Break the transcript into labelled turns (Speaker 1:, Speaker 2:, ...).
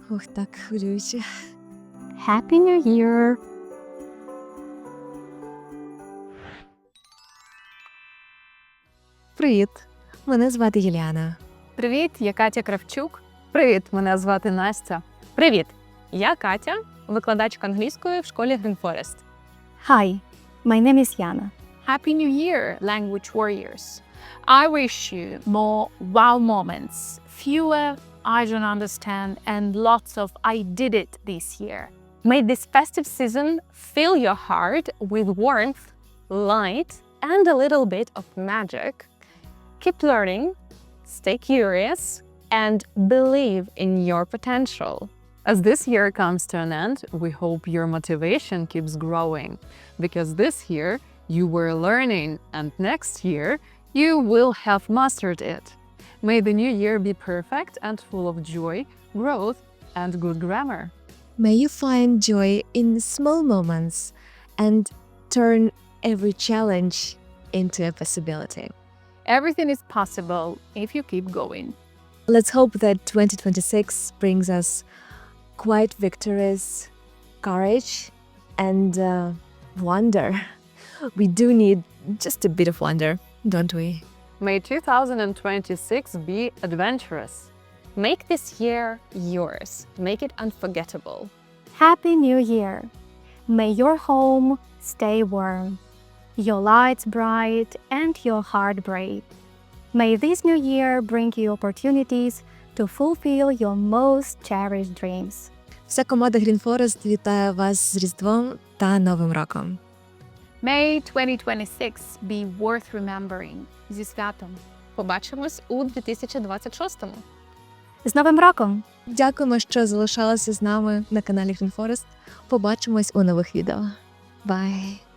Speaker 1: Ух, так хвилююче.
Speaker 2: Happy New Year!
Speaker 1: Привіт, мене звати Юліана.
Speaker 3: Привіт, я Катя Кравчук.
Speaker 4: Привіт, мене звати Настя.
Speaker 3: Привіт! Я Катя, викладачка англійської в школі Green Forest.
Speaker 2: Hi, my name is Yana.
Speaker 5: Happy New Year, language warriors. I wish you more wow moments, fewer I don't understand, and lots of I did it this year.
Speaker 3: May this festive season fill your heart with warmth, light, and a little bit of magic. Keep learning, stay curious, and believe in your potential.
Speaker 4: As this year comes to an end, we hope your motivation keeps growing, because this year you were learning and next year you will have mastered it. May the new year be perfect and full of joy, growth, and good grammar.
Speaker 1: May you find joy in small moments and turn every challenge into a possibility.
Speaker 5: Everything is possible if you keep going.
Speaker 1: Let's hope that 2026 brings us quiet victories, courage, and wonder. We do need just a bit of wonder, don't we?
Speaker 4: May 2026 be adventurous.
Speaker 3: Make this year yours. Make it unforgettable.
Speaker 2: Happy New Year! May your home stay warm, your lights bright, and your heart brave. May this new year bring you opportunities to fulfill your most cherished dreams.
Speaker 1: Вся команда Green Forest вітає вас з Різдвом та Новим роком.
Speaker 5: May 2026 be worth remembering. Зі святом.
Speaker 3: Побачимось у 2026-му.
Speaker 2: З Новим роком!
Speaker 1: Дякуємо, що залишалися з нами на каналі Green Forest. Побачимось у нових відео. Бай!